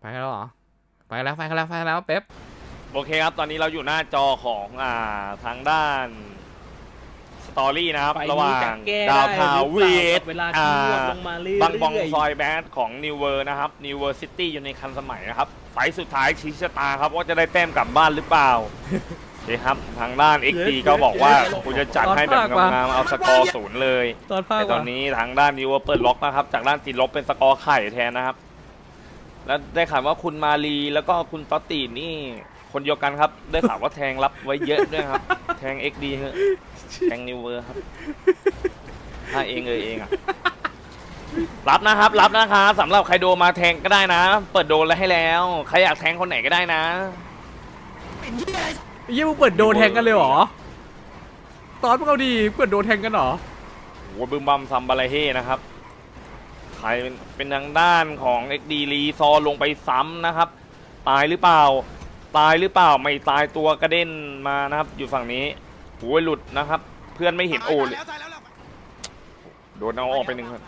กันแล้วเหรอไปกันแล้วเป๊ปโอเคครับตอนนี้เราอยู่หน้าจอของทางด้านสตอรี่นะครับระหว่างดาวพาวเวทบังบองซอยแบดของนิวเวอร์นะครับนิวเวอร์ซิตี้อยู่ในคันสมัยนะครับไฟสุดท้ายชี้ชะตาครับว่าจะได้แต้มกลับบ้านหรือเปล่านี่ครับทางด้าน XD ก็บอกว่าคุณจะจัดให้แบบงามๆเอาสกอร์0เลยแต่ตอนนี้ทางด้านนิวเวอร์เปิดล็อกนะครับจากด้านติดลบเป็นสกอร์ไข่แทนนะครับแล้วได้ข่าวว่าคุณมาลีแล้วก็คุณต๊อตตีนี่คนเดียวกันครับได้ข่าวว่าแทงรับไว้เยอะด้วยครับแทง XD เหอะแทงนิวเวอร์ครับถ้าเองอ่ะรับนะครับสำหรับใครโดมาแทงก็ได้นะเปิดโดนแล้วให้แล้วใครอยากแทงคนไหนก็ได้นะยี่มึงเปิดโดแทงกันเลยเหรอตอนพวกเราดีเปิดโดแทงกันเหรอโอ้บึมบัมซัมบาลาเฮ่นะครับใครเป็นทางด้านของ XD รีซอลงไปซ้ำนะครับตายหรือเปล่าไม่ตายตัวกระเด็นมานะครับอยู่ฝั่งนี้โอ้ยหลุดนะครับเพื่อนไม่เห็นโอ้เลยโดนเอาออกไปหนึ่งครับ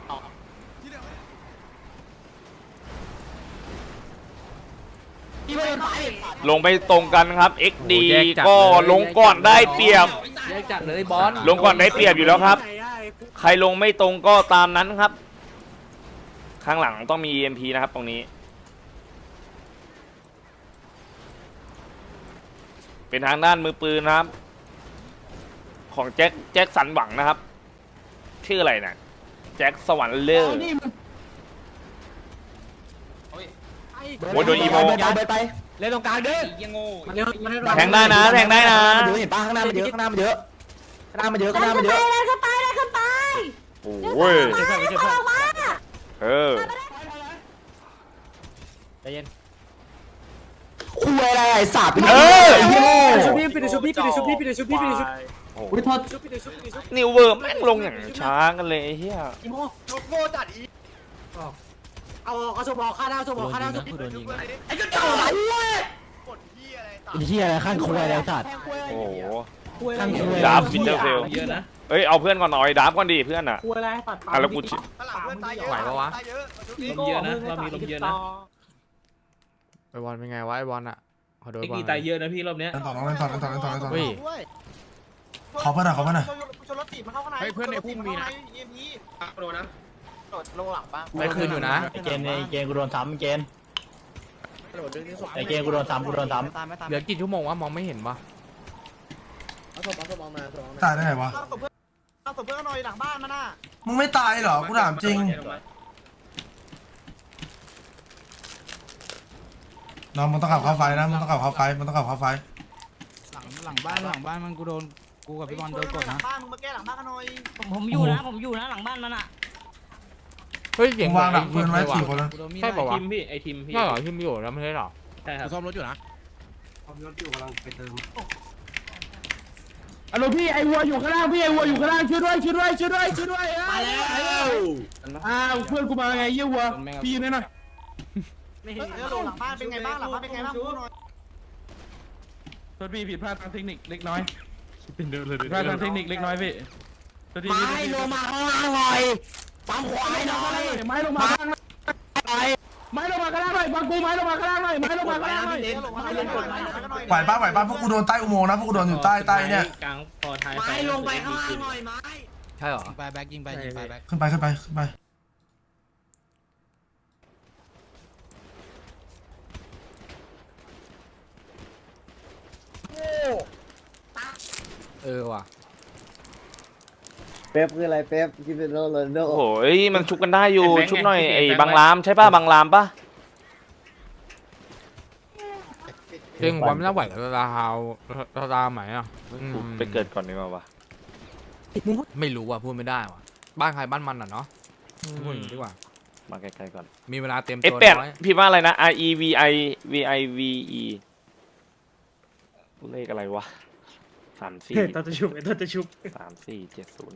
ลงไปตรงกันครับ XD ก็ลงก่อนได้เปรียบจัดเลยบอลลงก่อนได้เปรียบอยู่แล้วครับใครลงไม่ตรงก็ตามนั้นครับข้างหลังต้องมี EMP นะครับตรงนี้เป็นทางด้านมือปืนนะครับของแจ็คสันหวังนะครับชื่ออะไรนะแจ็คสวรรค์เลิศโอ้ยโดนอีโมเล่นตรงกลางเด้อแทงได้นะเห็นป่ะข้างหน้ามันเยอะข้างหน้ามันเยอะโอ้ยใจเย็นคุยอะไรไอ้สัตว์ชุบพี่ปิดชุบอุ้ยโทษนิวเวอร์แม่งลงอย่างช้ากันเลยเฮียอีโมโง่จัดอีเอาสมองฆ่าดาวไอ้กระจอกไอ้เหี้ยอะไรข้างคุยอะไรสัตว์โอ้โหดาบฟินเตอร์เฟลเอ้ยเอาเพื่อนก่อนหน่อยดาบก่อนดิเพื่อนอ่ะแล้วกูไหวปะวะลมเยอะนะเรามีลมเยอะนะไอบอลเป็นไงวะไอบอลอ่ะขอโดนบอลตายเยอะนะพี่รอบเนี้ยต่อเฮ้ยขอเพื่อนหน่อยชนรถติดมาเข้าข้างในเพื่อนในพุ่มมีนะโดนนะลงหลังบ้างไปคืนอยู่นะเกณฑ์กูโดนซ้ำเกณฑ์กูโดนซ้ำเหลือกี่ชั่วโมงวะมองไม่เห็นปะตายได้ไงวะเอาศพเพื่อนหน่อยหลังบ้านมาน่ะมึงไม่ตายเหรอกูถามจริงน้องมึงต้องขับเข้าไฟนะมึงต้องขับเข้าไฟหลังบ้านมันกูโดนกูกับพี่บอลโดนกดนะบ้านมึงมาแก้หลังบ้านกันหน่อยผมอยู่นะหลังบ้านมันอ่ะเฮ้ยเสียงวางหลังปืนไว้4 คนแล้วใช่ป่าวะไอทีมพี่ใช่เหรอทีมอยู่แล้วไม่ใช่หรอใช่ครับซ่อมรถอยู่นะซ่อมรถอยู่กำลังไปเติมฮัลโหลพี่ไอวัวอยู่ข้างล่างช่วยด้วยมาแล้วเพื่อนกูมาไงเยี่ยวัวพี่ยืนหน่อยไม่เห็นหลังบ้านเป็นไงบ้างพูดหน่อยโทษพี่ผิดพลาดทางเทคนิคเล็กน้อยผิดพลาดทางเทคนิคเล็กน้อยพี่ไม่ลงมาข้างล่างหน่อยปั๊มขวาหน่อยไม่ลงมาข้างล่างหน่อยฟังกูไม่ลงมาข้างล่างหน่อยไหวป้าพวกกูโดนใต้อุโมงค์นะพวกกูโดนอยู่ใต้เนี่ยกลางพอท้ายไม่ลงไปข้างล่างหน่อยไม้ใช่เหรอไปแบ็กยิงไปขึ้นไปว่ะเป๊ปคืออะไรเป๊ปคิดเป็นโรนัลโดโอ้ยมันชุบกันได้อยู่ชุบหน่อยไอ้บางรามใช่ป่ะบางรามป่ะจริงวันไม่น่าไหวกับตาไหมอ่ะไปเกิดก่อนดีกว่าวะไม่รู้ว่ะพูดไม่ได้ว่ะบ้านใครบ้านมันอ่ะเนาะพูดอย่างนี้ดีกว่ามาไกลๆก่อนมีเวลาเต็มตัวน้อยพี่ว่าอะไรนะ REVIVE เลขอะไรวะ34 ตัดจะชุบ 3470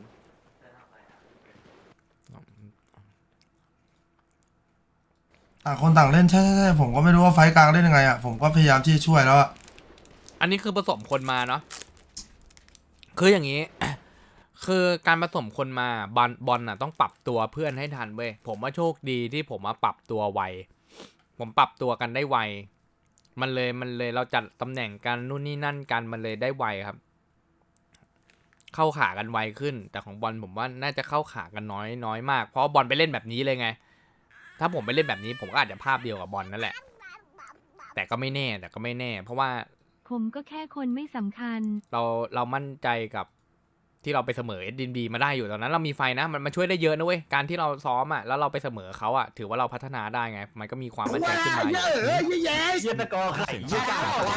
ต่างคนต่างเล่นใช่ผมก็ไม่รู้ว่าไฟกลางเล่นยังไงอ่ะผมก็พยายามที่จะช่วยแล้วอ่ะอันนี้คือผสมคนมาเนาะคืออย่างนี้ คือการผสมคนมาบอลน่ะต้องปรับตัวเพื่อนให้ทันเว้ยผมว่าโชคดีที่ผมมาปรับตัวไวผมปรับตัวกันได้ไวมันเลยเราจัดตำแหน่งกันนู่นนี่นั่นกันมันเลยได้ไวครับ เข้าขากันไวขึ้น แต่ของบอลผมว่าน่าจะเข้าขากันน้อยมากเพราะบอลไปเล่นแบบนี้เลยไง ถ้าผมไปเล่นแบบนี้ผมก็อาจจะภาพเดียวกับบอลนั่นแหละ แต่ก็ไม่แน่เพราะว่าผมก็แค่คนไม่สำคัญเรามั่นใจกับที่เราไปเสมอ SDB มาได้อยู่ตอนนั้นเรามีไฟนะมันช่วยได้เยอะนะเว้ยการที่เราซ้อมอ่ะแล้วเราไปเสมอเขาอ่ะถือว่าเราพัฒนาได้ไงมันก็มีความมั่นใจขึ้นมาเยี่ยตะกอไข่เยี่ย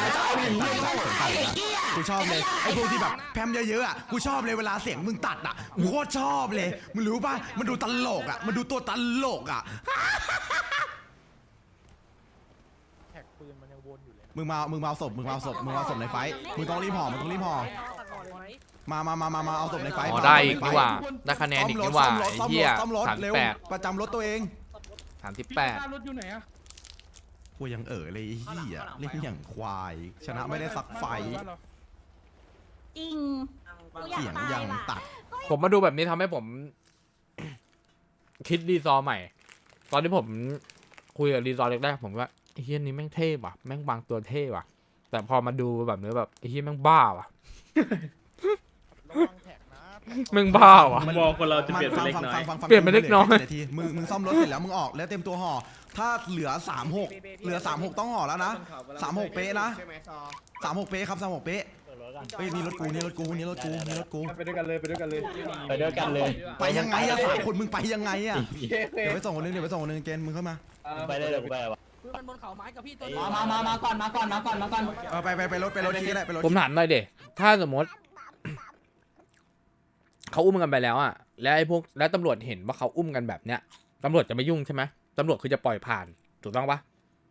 กูชอบเลยไอ้พวกที่แบบแพมเยอะๆอ่ะกูชอบเลยเวลาเสียงมึงตัดอ่ะกูโคตรชอบเลยมึงรู้ป่ะมันดูตลกอ่ะมันดูตัวตลกอ่ะมึงมาเอาศพในไฟมึงต้องรีบห่อมาเอาศพในไฟอ๋อได้อีกดีกว่าได้คะแนนอีกดีกว่าไอ้เหี้ยซ่อมรถเร็ว 38 ประจำรถตัวเอง 38 รถอยู่ไหนอะกูยังเลยไอ้เหี้ยเล่นอย่างควายชนะไม่ได้สักไฟจริงเสียงยังตัดผมมาดูแบบนี้ทำให้ผม คิดรีซอร์ใหม่ ตอนที่ผมคุยกับรีซอร์แรกๆผมว่าไอ้เฮียนี้แม่งเท่ว่ะแม่งบางตัวเท่ว่ะ แต่พอมาดูแบบนี้แบบไอ้เฮียแม่งบ้าว่ะ แม่งบ้าว่ะมองคนเราจะเปลี่ยนเป็นเล็กน้อยเปลี่ยนเป็นเล็กน้อยมึงซ่อมรถเสร็จแล้วมึงออกแล้วเต็มตัวห่อถ้าเหลือ36ต้องห่อแล้วนะ36เป๊ะนะ36เป๊ะครับ36เป๊ะเฮ้ยนี่รถกูไปด้วยกันเลยไปยังไงอะ3คนมึงไปยังไงอะเดี๋ยวไปส่งคนนึงเกณฑ์มึงเข้ามาไปได้เลยไปวะมาก่อนไปรถทีก็ได้ไปรถผมถามหน่อยเดถ้าสมมติ เขาอุ้มกันไปแล้วอะแล้วไอ้พวกแล้วตำรวจเห็นว่าเขาอุ้มกันแบบเนี้ยตำรวจจะไม่ยุ่งใช่ไหมตำรวจคือจะปล่อยผ่านถูกต้องปะ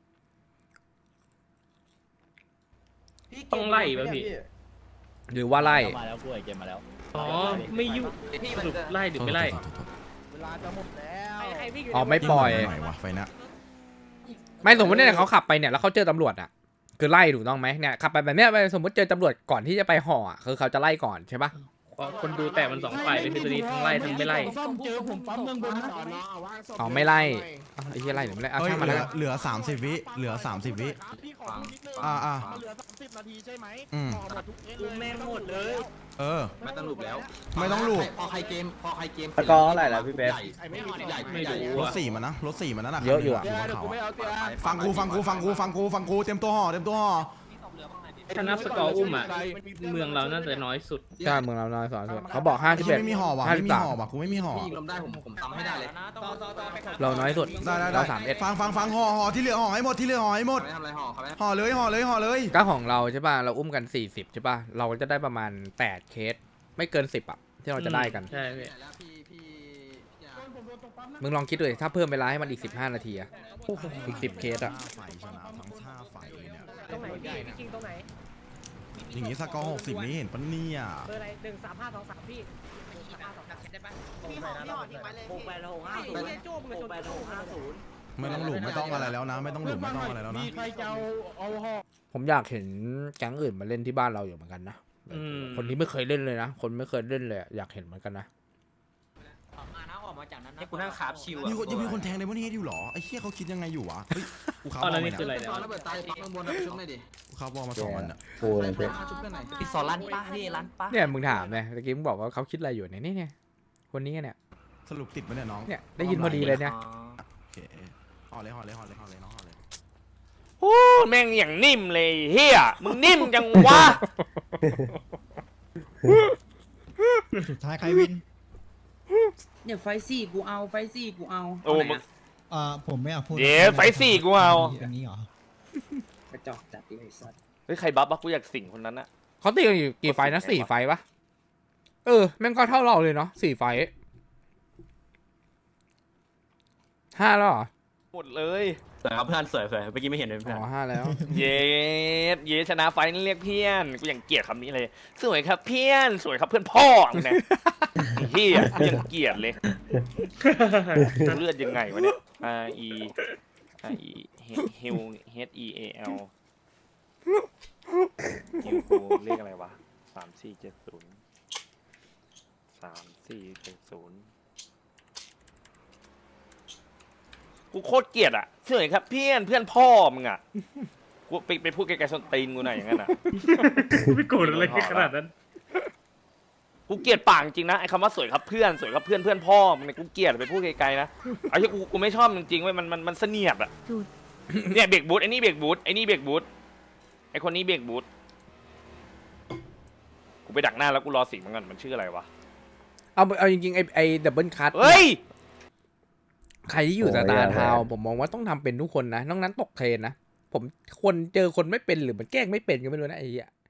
ต้องไล่ป่ะพี่หรือว่าไล่มาแล้วกูไอเกมมาแล้วอ๋อไม่ยุ่งสรุปไล่หรือไม่ไล่เวลาจะหมดแล้วอ๋อไม่ปล่อยหน่อยวะไฟนะไม่สมมติเนี่ยเขาขับไปเนี่ยแล้วเขาเจอตำรวจอะคือไล่ถูกต้องไหมเนี่ยขับไปแบบเนี้ยไปสมมติเจอตำรวจก่อนที่จะไปห่ออะคือเขาจะไล่ก่อนใช่ปะคนดูแต่มัน2ฝ่ายเลยพี่ตัวนี้ทั้งไล่ทั้งไม่ไล่ซ่อมเจอผมปั๊มเมืองบนนะอ๋อไม่ไล่อ้าวไอ้เหี้ยไล่หรือไม่ไล่เอาเฮ้ยช่างมันแล้วกันเหลือ30วิเหลือ30วิพี่ขอพูดนิดนึงมันเหลือ30 นาทีใช่ไหมอืมห่อหมดทุกเอ็นเลยแม่งหมดเลยไม่ต้องลูบตะกอเท่าไหร่แล้วพี่เป๊ปไม่รู้รถอะ 4มันนะรถ4มันนั่นน่ะเยอะอยู่อะเดี๋ยวกูไม่เอาเตียฟังกูเต็มตัวห่อถ้านับสกอร์อุ้มอะเมืองเราน่าจะน้อยสุดใช่เมืองเราน้อยสอนสุดเขาบอกไอ้เหี้ย 51 ไม่มีห่อว่ะกูไม่มีห่อเราน้อยสุดได้เรา31 ฟังห่อที่เหลือห่อให้หมดห่อเลยก็ของเราใช่ป่ะเราอุ้มกัน40ใช่ป่ะเราก็จะได้ประมาณ8เคสไม่เกิน10อ่ะที่เราจะได้กันใช่พี่มึงลองคิดดูดิถ้าเพิ่มเวลาให้มันอีก15นาทีอะอีก10เคสอะไฟชนะทั้งชาไฟเลยเนี่ยตรงไหนพี่คิงตรงไหนอย่างงี้สกอร์60นี่เห็นปะเนี่ยเบอร์อะไร13523พี่13523ได้ปะพี่หอทิ้งไว้เลยพี่โจ้มึงชน650 ไม่ต้องหลุมไม่ต้องอะไรแล้วนะ ไม่ต้องหลุมไม่ต้องอะไรแล้วนะมีใครจะเอาห่อผมอยากเห็นแก๊งอื่นมาเล่นที่บ้านเราอยู่เหมือนกันนะคนที่ไม่เคยเล่นเลยนะคนไม่เคยเล่นเลยอะอยากเห็นเหมือนกันนะให้กูนั่งคาบชิวยังมีคนแทงในวันนี้อยู่หรอไอ้เหี้ยเขาคิดยังไงอยู่วะเฮ้ยกูขับเอาบอแล้วลนี่มาคืออะไรเนี่ยเนี่ยกูขับบอลมา2 วันอ่ะกูเลยเป๊ปพี่สอนร้านป้าพี่ร้านป้าเนี่ยมึงถามเนี่ยเมื่อกี้มึงบอกว่าเขาคิดอะไรอยู่เนี่ยคนนี้เนี่ยสรุปติดไหมเนี่ยน้องเนี่ยได้ยินพอดีเลยเนี่ยโอเคห่อเลยน้องห่อเลยโอ้แม่งอย่างนิ่มเลยเฮียมึงนิ่มจังวะสุดท้ายใครวินเนี่ยไฟซี่กูเอาโอ้มึงผมไม่อยากพูดเดี๋ยวไฟสี่กูเอาอันนี้เหรอกระจอกจัดเลยสัตว์เฮ้ยใครบัฟวะกูอยากสิ่งคนนั้นอะเขาตีกันอยู่กี่ไฟนะ4ไฟปะแม่งก็เท่าเราเลยเนาะ4ไฟ5แล้วเหรอหมดเลยสวยครับเพื่อนสวยเมื่อกี้ไม่เห็นเลยเพื่อนอ๋อ5แล้วเย้ชนะไฟนี่เรียกเพื่อนกูยังเกลียดคำนี้เลยสวยครับเพื่อนสวยครับเพื่อนพ่อมึงเนี่ยไอ้เฮียกูยังเกลียดเลยเลือดยังไงวะเนี่ย R E H E A L ฮิวกูเรียกอะไรวะ3470 3470 กูโคตรเกลียดอ่ะเฉยครับเพื่อนพ่อมึงอ่ะกูไปพูดไกลๆส้นตีนกูหน่อยอย่างนั้นอ่ะไม่โกรธอะไรขนาดนั้นกูเกลียดปากจริงนะไอ้คำว่าสวยครับเพื่อนสวยครับเพื่อนพ่อมึงเนี่ยกูเกลียดไปพูดไกลๆนะไอ้ที่กูไม่ชอบจริงๆเว้ยมันเสนียดอ่ะจุดเนี่ยเบรกบูทไอ้นี่เบรกบูทไอ้นี่เบรกบูทไอ้คนนี้เบรกบูทกูไปดักหน้าแล้วกูรอสีมันก่อนมันชื่ออะไรวะเอาจริงๆไอ้ดับเบิลคัทเฮ้ยใครที่อยู่สตาร์ทาวน์ผมมองว่าต้องทำเป็นทุกคนนะนอกนั้นตกเทรนนะผมเจอคนไม่เป็นหรือมันแกล้งไม่เป็นก็ไม่รู้นะไอ้เหี้ย